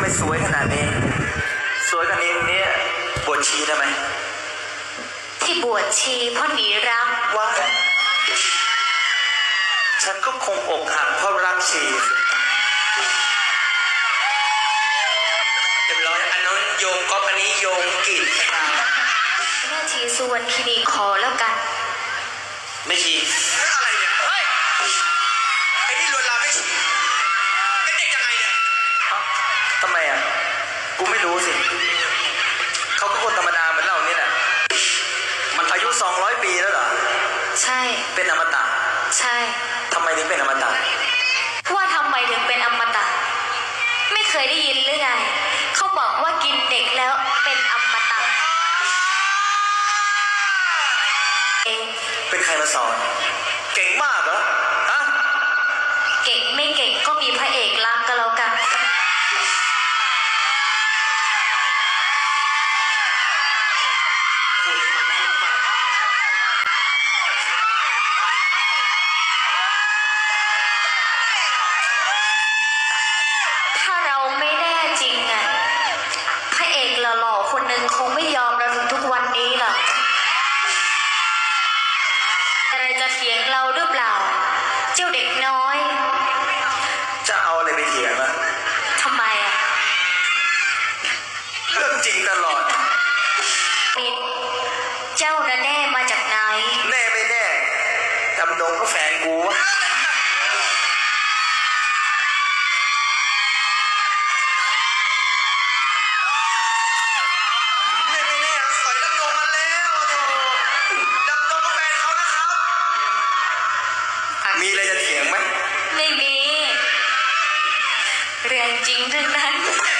สวยขนาดนี้สวยขนาดนี้บวชชีได้ไหมที่บวชชีเพราะหนีรักว่าฉันก็คงอกหักเพราะรักชีเรียบร้อยอันนั้นโยงก็อันนี้โยงกีดแม่ชีสุวรรณคีรีขอแล้วกันไม่ชีอะไรเนี่ยเฮ้ยไอ้นี่ลวนลามไม่ชีเป็นเด็กยังไงเนี่ยทำไมอ่ะกูไม่รู้สิเขาก็คนธรรมดาเหมือนเรานี่แหละมันอายุ200 ปีแล้วเหรอใช่เป็นอมตะใช่ทำไมถึงเป็นอมตะว่าทำไมถึงเป็นอมตะไม่เคยได้ยินหรือไงเขาบอกว่ากินเด็กแล้วเป็นอมตะเป็นใครมาสอนเก่งมากเหรอฮะเก่งไม่เก่งก็มีพระเอกรักก็แล้วกันถ้าเราไม่แน่จริงอ่ะพระเอกหล่อๆคนหนึ่งคงไม่ยอมเราถึงทุกวันนี้หรอกอะไรจะเถียงเราหรือเปล่าเจ้าเด็กน้อยจะเอาอะไรไปเถียงอ่ะทำไมอ่ะเรื่องจริงตลอดเจ้าน่ะแน่มาจากไหนแน่ไม่แน่จำนงก็แฟนกูวะมีอะไรจะเถียงไหมไม่มีเรื่องจริงทั้งนั้น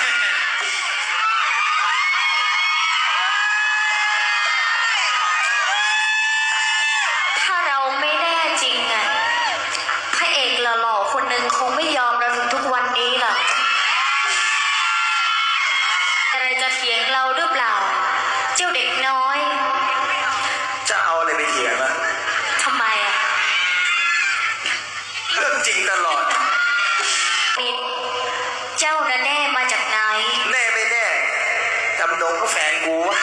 ถ้าเราไม่แน่จริงอ่ะพระเอกหล่อๆคนหนึ่งคงไม่ยอมเราถึงทุกวันนี้หรอกอะไรจะเถียงเราหรือเปล่าเจ้าเด็กน้อยจะเอาอะไรไปเถียงอ่ะทำไมอ่ะเรื่องจริงตลอดเจ้าน่ะแน่มาจากไหนแน่ไม่แน่จำนงก็แฟนกูวะ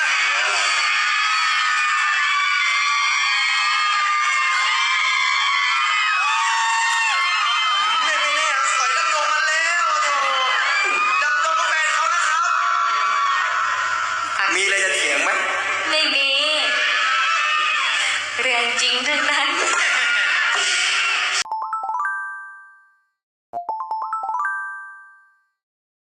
มีอะไรจะเถียงไหมไม่มีเรื่องจริงทั้งนั้น